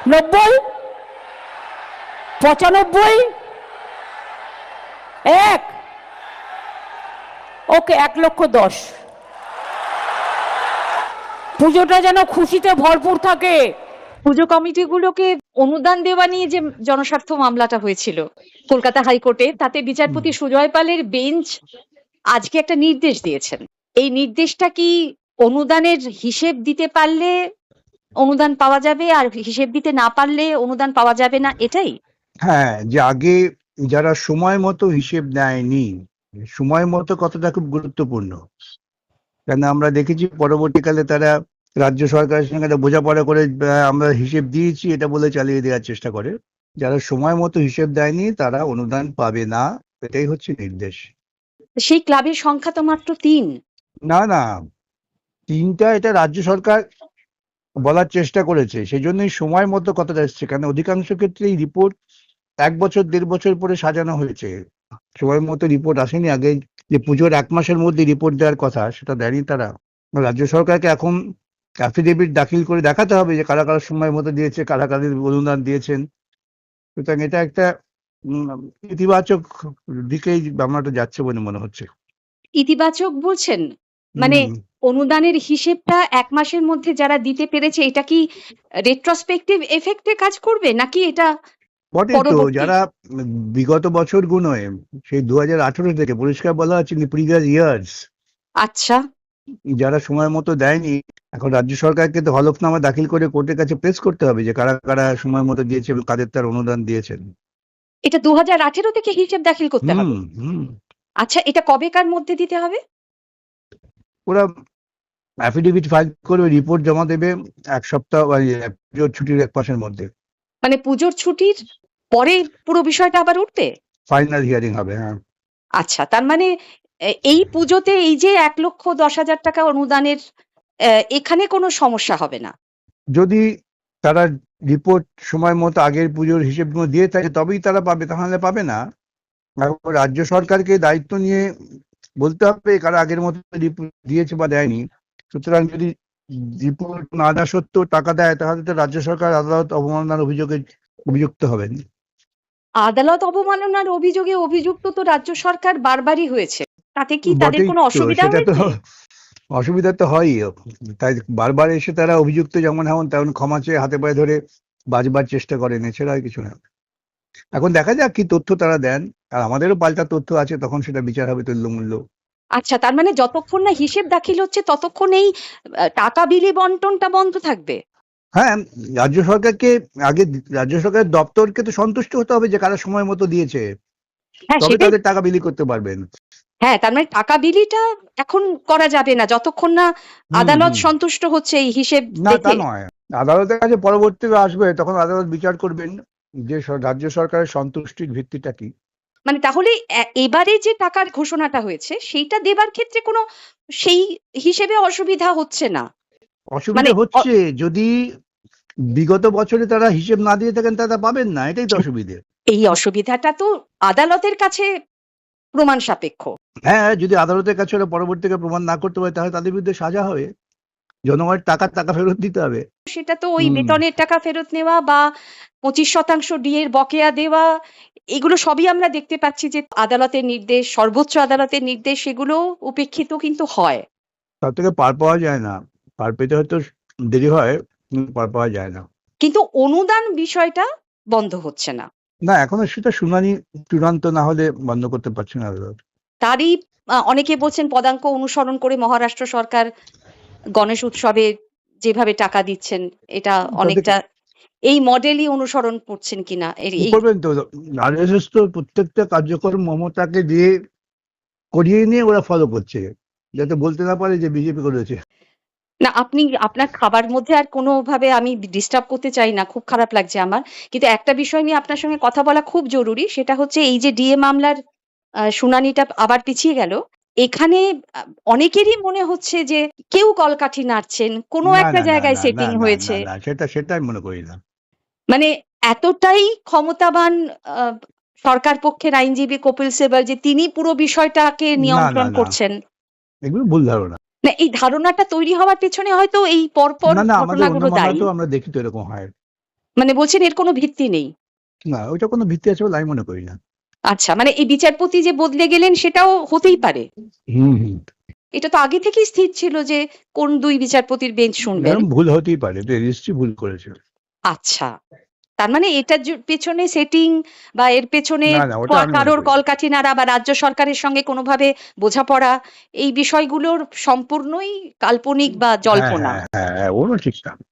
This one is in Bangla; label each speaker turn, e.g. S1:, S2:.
S1: 90, 95, এক, ওকে 1,10,000। পুজোটা যেন খুশিতে ভরপুর থাকে।
S2: পুজো কমিটিগুলোকে অনুদান দেওয়া নিয়ে যে জনস্বার্থ মামলাটা হয়েছিল কলকাতা হাইকোর্টে, তাতে বিচারপতি সুজয় পালের বেঞ্চ আজকে একটা নির্দেশ দিয়েছেন। এই নির্দেশটা কি অনুদানের হিসেব দিতে পারলে অনুদান পাওয়া যাবে, আর হিসেব দিতে না পারলে অনুদান পাওয়া যাবে না, এটাই?
S3: হ্যাঁ, যে আগে যারা সময় মতো হিসেব নেয়নি, সময় মতো কথাটা খুব গুরুত্বপূর্ণ। কেন আমরা দেখেছি পরবর্তীকালে তারা রাজ্য সরকারের সঙ্গে একটা বোঝাপড়া করে আমরা হিসেব দিয়েছি এটা বলে চালিয়ে দেওয়ার চেষ্টা করে। যারা সময় মতো হিসেব দেয়নি তারা অনুদান পাবে না, এটাই হচ্ছে নির্দেশ।
S2: সেই ক্লাবের সংখ্যা তো মাত্র 3।
S3: না না, 3টা এটা রাজ্য সরকার বলার চেষ্টা করেছে, সেই জন্যই সময় মতো কথাটা এসছে। কারণ অধিকাংশ ক্ষেত্রে এই রিপোর্ট 1 বছর 1.5 বছর পরে সাজানো হয়েছে, সময় মতো রিপোর্ট আসেনি। আগে যে পুজোর 1 মাসের মধ্যে রিপোর্ট দেওয়ার কথা সেটা দেয়নি তারা। রাজ্য সরকারকে এখন অ্যাফিডেভিট দাখিল করে দেখাতে হবে যে কারা কারা সময় মতো দিয়েছে, কারা কারা অনুদান দিয়েছেন। সুতরাং এটা একটা ইতিবাচক দিকেই মামলাটা যাচ্ছে বলে মনে হচ্ছে।
S2: ইতিবাচক বলছেন? মানে অনুদানের হিসেবটা 1 মাসের মধ্যে যারা দিতে পেরেছে, এটা কি রেট্রোস্পেক্টিভ এফেক্টে কাজ করবে, নাকি এটা
S3: বটে তো,
S2: পরবর্তী?
S3: যারা বিগত বছর গুনোয় সেই 2018 থেকে পরিষ্কার বলা হচ্ছে প্রিভিয়াস ইয়ার্স,
S2: আচ্ছা,
S3: যারা সময় মতো দেয়নি, এখন রাজ্য সরকারকে তো হলফনামা দাখিল করে কোর্টের কাছে প্রেস করতে হবে যে কারা কারা সময় মতো দিয়েছে এবং কাদের তার অনুদান দিয়েছেন।
S2: এটা 2018 থেকে হিসেব দাখিল করতে হবে?
S3: হুম
S2: আচ্ছা, এটা কবেকার মধ্যে দিতে হবে?
S3: ওরা অ্যাফিডেভিট ফাইল করবে, রিপোর্ট জমা দেবে 1 সপ্তাহ বা পুজোর ছুটির 1 মাসের মধ্যে।
S2: মানে পুজোর ছুটির পরে পুরো বিষয়টা আবার উঠবে?
S3: ফাইনাল হিয়ারিং হবে। হ্যাঁ,
S2: আচ্ছা, তার মানে এই পুজোতে এই যে 1,10,000 টাকা অনুদানের, এখানে কোনো সমস্যা হবে না?
S3: যদি তারা রিপোর্ট সময় মতো আগের পুজোর হিসেবগুলো দিয়ে থাকে তবেই তারা পাবে, তাহলে পাবে না। এখন রাজ্য সরকারকে দায়িত্ব নিয়ে বলতে হবে কারা আগের মতো রিপোর্ট দিয়েছে বা দেয়নি। সুতরাং যদি রিপোর্ট না দেওয়া সত্ত্বেও টাকা দেয় তাহলে তো রাজ্য সরকার আদালত অবমাননার অভিযোগে অভিযুক্ত হবেন।
S2: আদালত অবমাননার অভিযোগে অভিযুক্ত তো রাজ্য সরকার বারবারই হয়েছে। তাতে কি তাদের
S3: বটেই
S2: কোনো
S3: তো,
S2: অসুবিধা
S3: সেটা তো
S2: হয়েছে?
S3: অসুবিধা তো হয়ই। তাই বারবার এসে তারা অভিযুক্ত যেমন হন তেমন ক্ষমা চেয়ে হাতে পায়ে ধরে বাঁচবার চেষ্টা করেন, এছাড়া আর কিছু না। এখন দেখা যাক কি তথ্য তারা দেন, আর আমাদেরও পাল্টা তথ্য আছে, তখন সেটা বিচার হবে তুল্যমূল্য।
S2: আচ্ছা, তার মানে যতক্ষণ না হিসেব দাখিল হচ্ছে ততক্ষণ এই টাকা বিলি বন্টনটা বন্ধ থাকবে?
S3: হ্যাঁ, রাজ্য সরকারকে আগে রাজ্য সরকারের দপ্তরকে তো সন্তুষ্ট হতে হবে যে কারা সময় মতো দিয়েছে,
S2: হ্যাঁ,
S3: তবে
S2: সেটাই।
S3: তাদের টাকা বিলি করতে পারবেন।
S2: হ্যাঁ, তার মানে টাকা বিলিটা এখন করা যাবে না যতক্ষণ না আদালত
S3: হুম।
S2: সন্তুষ্ট হচ্ছে এই হিসেব
S3: না, তা
S2: দেখে।
S3: নয়, আদালতের কাছে পরবর্তীতে আসবে, তখন আদালত বিচার করবেন যে রাজ্য সরকারের সন্তুষ্টির ভিত্তিটা কি।
S2: মানে তাহলে এবারে যে টাকার ঘোষণাটা হয়েছে সেইটা দেবার ক্ষেত্রে কোনো সেই হিসেবে অসুবিধা হচ্ছে না? মানে
S3: অসুবিধা হচ্ছে যদি বিগত বছরে তারা হিসেব না দিয়ে থাকেন তারা পাবেন না, এটাই তো অসুবিধে।
S2: এই অসুবিধাটা তো আদালতের কাছে প্রমাণ সাপেক্ষ।
S3: হ্যাঁ, যদি আদালতের কাছে ওরা পরবর্তীতে প্রমাণ না করতে পারে তাহলে তাদের বিরুদ্ধে সাজা হবে, জনগণের টাকা ফেরত দিতে হবে।
S2: সেটা তো ওই
S3: হুম।
S2: বেতনের টাকা ফেরত নেওয়া বা 25% ডিএর বকেয়া দেওয়া, এগুলো সবই আমরা দেখতে পাচ্ছি যে আদালতের নির্দেশ, সর্বোচ্চ আদালতের নির্দেশ, সেগুলো উপেক্ষিত কিন্তু হয়।
S3: তার থেকে পার পাওয়া যায় না, পার পেতে হয়তো দেরি হয় কিন্তু পার পাওয়া যায় না।
S2: কিন্তু অনুদান বিষয়টা বন্ধ হচ্ছে না।
S3: না, এখনো সেটা শুনানি চূড়ান্ত না হলে বন্ধ করতে পারছে না আদালত।
S2: তারই অনেকে বলছেন পদাঙ্ক অনুসরণ করে মহারাষ্ট্র সরকার গণেশ উৎসবে যেভাবে টাকা দিচ্ছেন, এটা অনেকটা এই মডেলই অনুসরণ করছেন কিনা
S3: কি
S2: এই।
S3: করবেন তো, আরএসএস তো প্রত্যেকটা কার্যক্রম মমতাকে দিয়ে করিয়ে নিয়ে ওরা ফলো করছে, যাতে বলতে না পারে যে বিজেপি করেছে।
S2: না, আপনি আপনার খাবার মধ্যে আর কোনোভাবে আমি ডিস্টার্ব করতে চাই না, খুব খারাপ লাগছে আমার। কিন্তু একটা বিষয় নিয়ে আপনার সঙ্গে কথা বলা খুব জরুরি, সেটা হচ্ছে এই যে ডিএ মামলার শুনানিটা আবার পিছিয়ে গেল, এখানে অনেকেরই মনে হচ্ছে যে কেউ কলকাঠি নাড়ছেন, কোনো
S3: না
S2: একটা
S3: না না
S2: জায়গায়
S3: না না
S2: সেটিং
S3: না না
S2: হয়েছে।
S3: না, সেটা আমি মনে করি না।
S2: মানে এতটাই ক্ষমতাবান আহ, সরকার পক্ষের আইনজীবী কপিল সিবাল যে তিনি পুরো বিষয়টাকে
S3: না না
S2: নিয়ন্ত্রণ
S3: না,
S2: করছেন।
S3: এগুলো ভুল ধারণা।
S2: না, এই ধারণাটা তৈরি হওয়ার পেছনে হয়তো এই পরপর
S3: না না, আমাদের অন্য
S2: ঘটনাগুলো দায়ী।
S3: মামলাতেও আমরা দেখি তো এরকম হয়।
S2: মানে বলছেন এর কোনো ভিত্তি নেই।
S3: না, ওইটা কোনো ভিত্তি আছে বলে আমি মনে করি না।
S2: আচ্ছা, মানে এই বিচারপতি যে বদলে গেলেন সেটাও হতেই পারে।
S3: হুম হুম
S2: এটা তো আগে থেকেই স্থির ছিল যে কোন ২ বিচারপতির বেঞ্চ শুনবেন।
S3: এরকম ভুল হতেই পারে, রেজিস্ট্রি ভুল করেছে।
S2: আচ্ছা। তার মানে এটার পেছনে সেটিং বা এর পেছনে
S3: না না, ওটা আমি মনে
S2: কারোর
S3: করি না।
S2: কলকাঠি নাড়া বা রাজ্য সরকারের সঙ্গে কোনোভাবে বোঝাপড়া, এই বিষয়গুলোর সম্পূর্ণই কাল্পনিক বা
S3: হ্যাঁ
S2: জল্পনা।
S3: হ্যাঁ হ্যাঁ হ্যাঁ, ওরও ঠিক না।